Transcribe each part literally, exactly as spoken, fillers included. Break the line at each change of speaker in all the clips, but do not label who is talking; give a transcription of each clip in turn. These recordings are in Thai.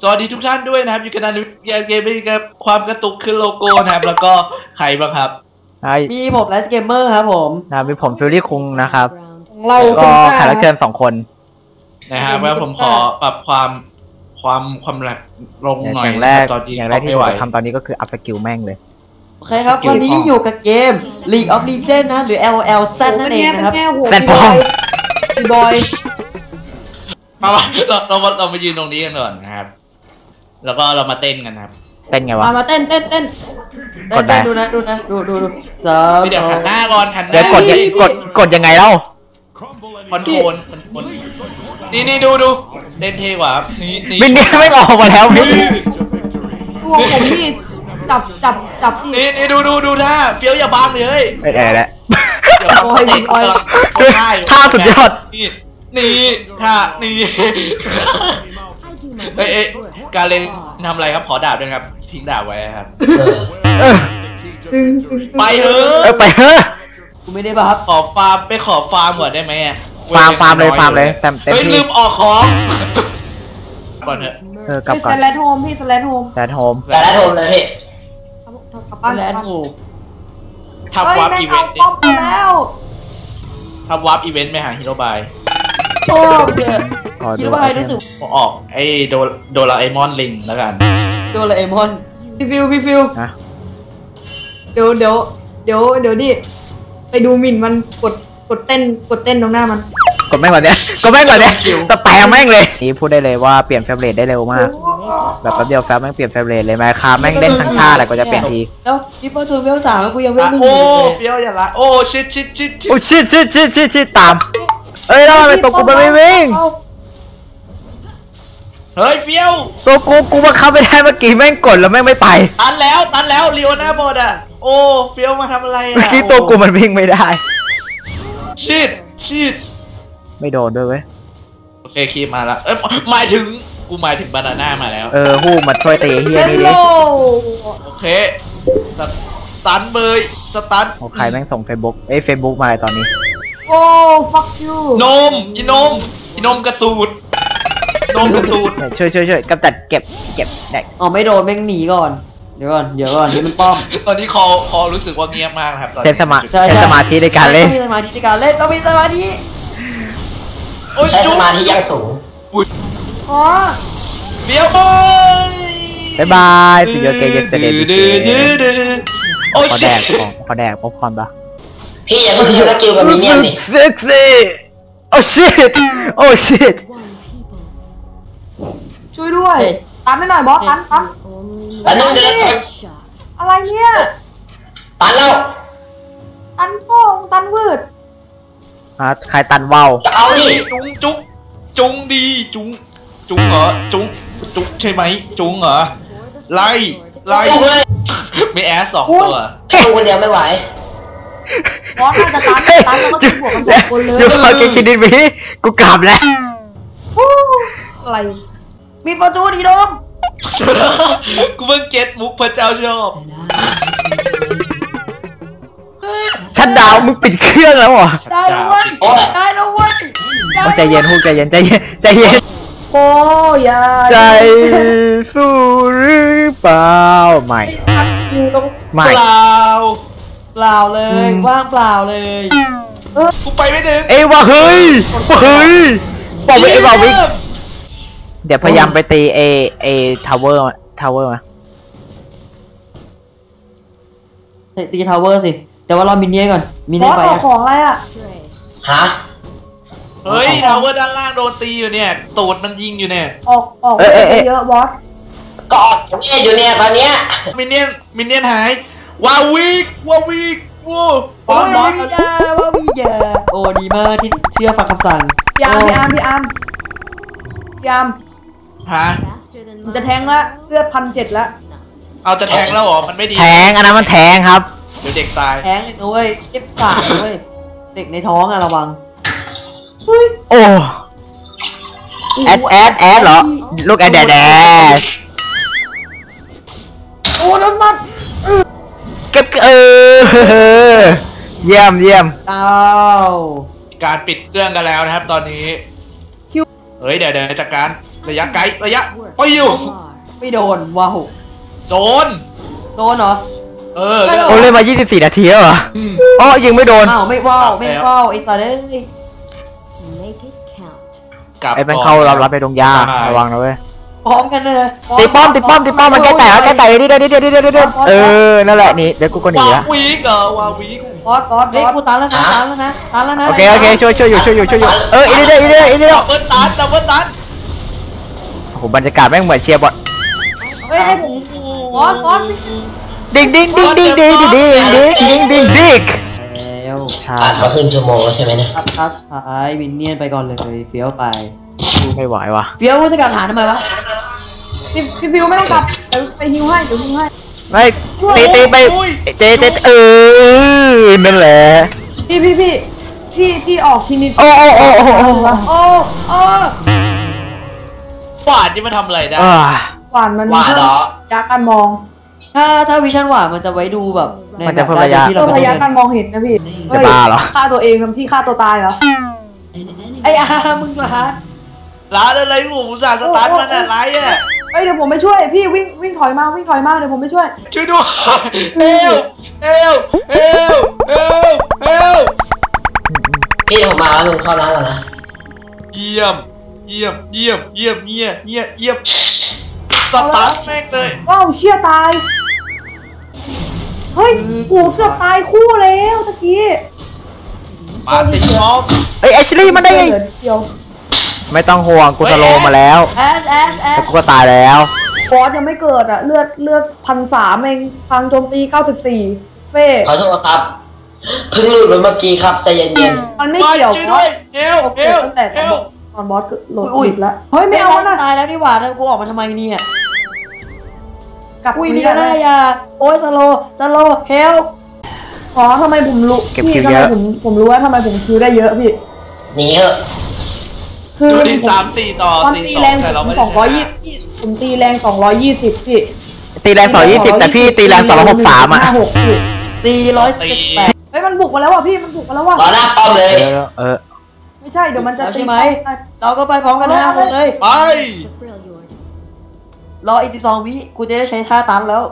สวัสดีทุกท่านด้วยนะครับอยู่กันในเกมนี้ครับความกระตุกขึ้นโลโก้นะครับแล้วก็ใครบ้างครับ
มีผมไลฟ์เกมเมอร์ครับผม
นะมีผมฟิลลี่คุงนะครับ
เรา
ก็แขกรับเชิญสองคน
นะครับแล้วผมขอปรับความความความแรงลงหน่อย
อย่างแรกอย่างแรกที่เราทำตอนนี้ก็คืออัพสกิลแม่งเลย
โอเคครับวันนี้อยู่กับเกม League of Legends นะหรือ แอล แอล แซด นั่นเองนะครับ
แซดบอย
บอย
มาเราเราเรามายืนตรงนี้กันก่อนนะครับแล้วก็เรามาเต้นกันครับ
เต้นไงวะ
มาเต้นเต้นเต้นกดได้ดูนะดูนะดูดูดู
สามเดี๋ยวหันหน้าก่อนหันหน้าก
ดกดกดยังไงเล่า
คอนโทรลคอนโทรลนี่นี่ดูดูเต้นเท่กว่านี่นี่
บินเนี่ยไม่ออกมาแล้วพี่
ตัวผมพี่จับจับจับ
นี่นี่ดูดูดูท่าเฟี้ยวอย่าบังเลย
ไม่ได้แล้ว
อย่าบังเต้นกำลัง
ท่าสุดยอด
นี่นี่ท่านี่เอ้ยการเล่นทำอะไรครับขอดาบด้วยครับทิ้งดาบไว้ครับไปเถอะ
ไปเถอะ
กูไม่ได้บัฟ
ขอฟาร์มไปขอฟาร์มก่อนได้ไหม
ฟาร์มฟาร์มเลยฟาร์มเลยเต็มเต็ม
ที่ลืมออกของก่อนเถอะ
เออกลับก่อน
สแลนโฮมพี่สแลนโฮม
สแลนโฮม
สแลนโฮมเลยพี่
กลับบ้านแล้ว
ทำวาร์ปอีเวนต์
แล้ว
ทำวาร์ปอีเวนต์ไปหาฮิโรบาย
โอ้เดี๋ยวฮิโรบายรู้สึก
ออกไอ้โดโดราเอมอนลิงแล้วกัน
โดราเอมอนพี่ฟิวพี่ฟิวเดี๋ยวเดี๋ยวเดี๋ยวเดี๋ยวดิไปดูหมิ่นมันกดกดเต้นกดเต้นตรงหน้ามัน
กดแม่งก่อนเนี้ยกดแม่งก่อนเนี้ยแต่แปลแม่งเลยนี่พูดได้เลยว่าเปลี่ยนเฟรมเรทได้เร็วมากแบบแป๊บเดียวแฟมแม่งเปลี่ยนเฟรมเรทเลยมาคาแม่งเล่นทั้งท่าแต่ก็จะเปลี่ยนที
แล้วพี่ประตูเวลสามกูยังเวลหนึ่ง
โอ้เฟี้ยวอย่าละโอ้ชิดชิดชิด
โอ้ชิดชิดชิดชิดชิดตามเอ้ยแล้วทำไมตัวกูมันไม่วิ่ง
เฮ้ยเฟี้ยว
ตัวกูกูมาเข้าไม่ได้เมื่อกี้แม่งกดแล้วแม่งไม่ไป
ตันแล้วตันแล้วลีโอนาบอดอ่ะโอ้เฟี้ยวมาทำอะไรอ่ะ
เมื่อกี้ตัวกูมันวิ่งไม่ได้
ชิดชิด
ไม่โดนด้วยเว้ย
โอเคคีมาแล้วเอ้ยหมายถึงกูหมายถึงบานาน่ามาแล้ว
เออฮู้มาช่วยตีเฮียนี่ดิ
โอเคสตันเบยสตัน
โอ้ใครแม่งส่งเฟซบุ๊กเอ้ยเฟซบุ๊กมาตอนนี้
โอ้ fuck you
นมอีนมอีนมกระตูดนมกระตูด
ช่วยช่วยช่วยกำจัดเก็บเก็บได้
อ๋อไม่โดนแม่งหนีก่อนเดี๋ยวก่อนเดี๋ยวก่อนนี่มันป้อม
ตอนนี้คอคอรู้สึกว่าเงียบมากครับตอนนี้
เต้นสมาเต้นสมาธิในการเล่น
มีสมาธิในการเล่นต้องมีสมาธิ
ใช้สมาธิ
ยังสูงอ๋อ
เบี้ยว
บายบายสิโยเกย์เยสเตเดย์ขอแดกของขอแดกป๊อปคอร์นปะ
พี่อย่าเพิ่งสกิลกับมินเนี่ยนนี่
เซ็กซี่โอ้ชิตโอ้ชิต
ช่วยด้วยตันให้หน่อยบอสตันตัน
ตันนึงเดิน
อะไรเนี่ย
ตันแล้ว
ตันพ่องตันวืด
อ่ะใครตันว่าว
เอาดิจุงจุงจุงดีจุงจุงเหรอจุงจุงใช่ไหมจุงเหรอไล่ไล่ไม่แอสสองตัว
จุงคนเดียวไม่ไหวบอสน่าจะตันตันแล้วก็จุงบวกกันสองคนเลย
อยู่มาเก่งคิดดีไหมกูกลับแล้ว
อะไรมีประตูดีดม
กูเพิ่งเก็ตมุกพระเจ้าชอบ
ชัดดาวมึงปิดเครื่องแล้วเหรอ
ได้แล้วเว้ยได้แล้วเว้ย
ใจเย็นฮู้ใจเย็นใจเย็นใจเย็น
โอ้ย
ใจสู้หรือเปล่าไม่
ไม่เปล่า
เปล่าเลยว่างเปล่าเลย
กูไปไม่ถึง
เอ้ว่าเฮ้ยเฮ้ยบอกไปไอ้บอกวิเดี๋ยวพยายามไปตีเอเอทาวเวอร์ทาวเวอร์มา
ตีทาวเวอร์สิแต่ว่าเรามินเนี่ยก่อนมินเนี่ยไปของอะไรอ่ะ
ฮะเฮ้ยทาวเวอร์ด้านล่างโดนตีอยู่เนี่ยตูดมันยิงอยู่เนี่ย
ออกออกเยอะบอส
กอดเนี่ยอยู่เนี่ยตอนเนี้ยมินเนี่ยนมินเนี่ยนหายวาวิกวาวิกว้าว
วาวิยาวาวิยาโอ้ดีมากที่เชื่อฟังคำสั่งพี่อาร์มพี่อาร์มพี่อาร์มพี่อาร์ม
ฮะ
จะแทงละเลือดพันเจ็ดละ
เอาจะแทงแล้วเหรอมันไม่ดี
แทงอันนั้นมันแทงครับ
เดี๋ยวเด็กตาย
แทงเลยด้วยเจ็บปากด้วยเด็กในท้องอะระวัง
โอ้แอดแอดแอดเหรอลูกแอดแดดแดด
โอ้โดนฟัน
เก็บเออเยี่ยมเยี่ยม
อ้าว
การปิดเครื่องกันแล้วนะครับตอนนี้เฮ้ยเดี๋ยวเดี๋ยวจัดการระยะไกลระยะปิ้ว
ไม่โดนว้าว
โดน
โดนเหรอ
เออ
โอ้เล่นมายี่สิบสี่นาทีแล้วเหรออ๋อยิงไม่โดน
อ้าวไม่ว้าวไม่ว้าวไอ้สัตว์เอ้ย
กลับ
ไอ้เป็นเข้ารับรับไปตรงยาระวังนะเว้ย
พร้อมกันเลย
ตีป้อมตีป้อมตีป้อมมันแก้แตกแก้แตกนิดเดียวนิดเดียวนิดเดียวนิดเดียวเออนั่นแหละนี่เดี๋ยวกูก็หนี
วา
ละ
วีกเหรอวาวีก
บอสบอสบ
เฮ้ย
อส
กูตันแล้วนะตันแล้วนะตันแล้วนะ
โอเคโอเคช่วยช่วยอยู่ช่วยอยู่ช่วยอยู่เอออีนิดเดียวอีนิดเดียวอีนิดเดียว
ดับเบิลตันดับเบิลตัน
โอ้โหบรรยากาศแม่งเหมือนเชียร์บอล
เฮ้ยให้ผมบอสบอส
ดิ้งดิ้งดิ้งดิ้งดิ้งดิ้งดิ้งดิ้งดิ้งดิ้ง
แล้ว
ใช่
ผ่านมาครึ่งชั่วโมงแล้วใช่ไหมเนี่ย
ครับครับหายวินเนียนไปก่อนเลยเฟี้ยวไป
ไม่ไหวว่ะ
เฟี้ยวจะกลับฐานทำไมวะ
พี่พี่ฟิวไม่ต้องกลับเดี๋ยวไปฮิวให้เดี๋ยวฮิวให้
ไม่ตีตีไปเจเจเออนั่นแหละ
พี่พี่พี่พี่พี่ออกทีนิด
โอ้โอ้โอ้โอ้โอ้
โอ้โอ้
ฟาดที่มันทำอะไรได้
อ่า
หวานมัน
หวานเหรอ
ยาการมอง
ถ้าถ้าวิชั่นหวานมันจะไว้ดูแบบใน
มันจะเพิ่มระยะ
ที่
เพื่
เรา
อ
ไม่
พ
ได้
ยา
เดิ
การ
น
มองเห็นนะพี่
จะบ้าเหรอ
ฆ่าตัวเองทำพี่ฆ่าตัวตายเหรอ
ไอ้อามึงมาฮะ
ร้านอะไรผมอุตส่าห์สตาร์ทมันอะไรอ่ะ
เอ้ยเดี๋ยวผมไปช่วยพี่วิ่งวิ่งถอยมาวิ่งถอยมาเดี๋ยวผมไปช่วย
ช่วยด้วยเฮลเฮลเฮลเฮลเฮล
พี่ผมมาแล้วมึงเข้าร้านแล้วนะ
เยี่ยมเยี่ยมเยี่ยมเยี่ยมเยี่ยมเยี่ยมเยี่ยมสตาร์ทแม่งเลย
ว้าวเชี่ยตายเฮ้ยโหเกือบตายคู่แล้วตะกี้
มาสิมอฟ
เอ้ยแอชลี่มันได้ไง
เหลือเดียว
ไม่ต้องห่วงกูสโลมาแล้ว
แอชแอชแอ
แต่
ช
กูก็ตายแล้ว
บอสยังไม่เกิดอ่ะเลือดเลือดพันสามเองพลังโจมตีเก้าสิบสี่เฟ่
ขอโทษครับเพิ่งหลุดไปเมื่อกี้ครับใจเย็น
มันไม่เกี่ยว
ช่วย
เพ
ด้ว
ราะ
ยเฮล
โอ
เฮ
เค
ล
ตั้งแต่
เฮ
ตอน
ล
ตอนบอสโหลดติดแล้วเฮ้ยไม่เอานะ
ตายแล้วนี่หว่าแล้วกูออกมาทำไมเนี่ย
กลับ
อุ้ย
คุ
เดี
ย
ย
กั
วน นะ
ได้
ยาโอ้ยสโลสโลเฮล
อ๋อทำไมผมรู้
เก็บ
พี่
คิว
ทำ
เย
ไม
อะ
ผมผมรู้ว่าทำไมผมคิวได้เยอะพี่
ๆหนีเถอะ
คือ
ดู
ผม
ดิสามสี่ต่อ
ตอน
สี่
ตี
สอ
แรง ง
แต่เรา
ผม
ไม่ได้
สองร้อยยี่สิบผมตีแรงสองร้อยยี่สิบพี่
ตีแรงสองยี่สิบแต่พี่ตีแรงสองร้อยหกสามอ่ะ
ห้าหกพี่
สี่ร้อยเจ็ดแปด
เฮ้ยมันบุกมาแล้วว่ะพี่มันบุกมาแล้วว่ะ
รอหน้าป้อมเลย
เออเออ
ไม่ใช่เดี๋ยวมันจะ
แล้ว
ตี
ใช่ไหมเราก็ไปพร้อมกันห้าคนเลย
ไป
รออีกสิบสองวิกูจะได้ใช้ท่าตันแล้ว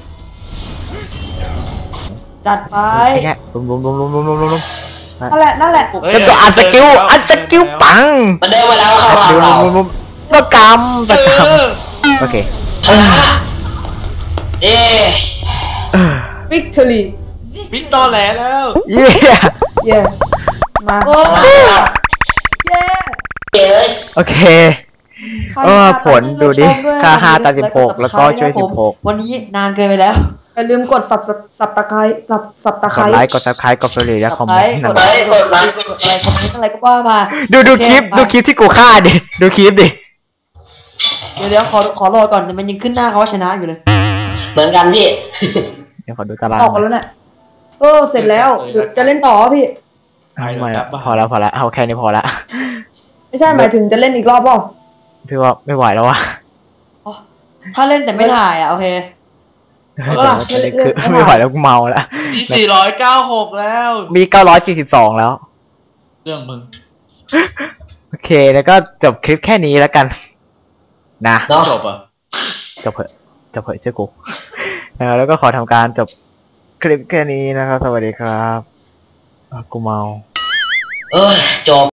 จัดไป
แค่ลุมลุมลุมลุมลุมลุมลุม
นั่นแหละนั่นแหละ
เฮ้ย
แล้วก็อัดสกิลอัดสกิลปัง
มันเดินมาแล้วเข้าร้าน
ลุม
เรา
ลุมลุมก็กำ
เอ
ตะก
อ
ำโอเค
ชนะเอ๊
วิกตอรี่
วิกตอร์แหลแล้ว
เย้
เย่มา
โอ้เย้
เก๋เลย
โอเคเออผลดูดิค่าห้าตัดสิบหกแล้วก็ช่วยสิบหก
วันนี้นานเกินไปแล้ว
อย่าลืมกดสับสับตะไคร้สับสับตะไค
ก
ร้
ดไลค์กดซับสไครต์กดเฟรนด์และคอมเมนต์
กด
นะ
ไลค์กดไลค์กดอะไรคอมเมนต์อะไรก็ว่ามา
ดูดูคลิปดูคลิปที่กูฆ่าดิดูคลิปดิ
เดี๋ยวเดี๋ยวขอขอรอก่อนแต่มันยังขึ้นหน้าเขาว่าชนะอยู่เลย
เหมือนกันพี่
เดี๋ยวขอดูตาราง
ออกกันแล้วเนี่ยเออเสร็จแล้วเดี๋ยวจะเล่นต่อพี่
ไม่ละพอแล้วพอแล้วเอาแค่นี้พอละ
ไม่ใช่หมายถึงจะเล่นอีกรอบเปล่า
พี่ว่าไม่ไหวแล้ววะ
อ๋อถ้าเล่นแต่ไม่ถ่ายอ่ะโอเค
คือไม่ไหวแล้วกูเมาแล้ว
มีสี่ร้อยเก้าหกแล้ว
มีเก้าร้อยสี่สิบสองแล้ว
เรื่องมึง
โอเคแล้วก็จบคลิปแค่นี้แล้วกัน นะ
เนาะ
จบอ่ะ
จบเถอะจบเถอะเชื่อกูนะแล้วก็ขอทำการจบคลิปแค่นี้นะครับ สวัสดีครับอ่ะกูเมา
เอ้ยจบ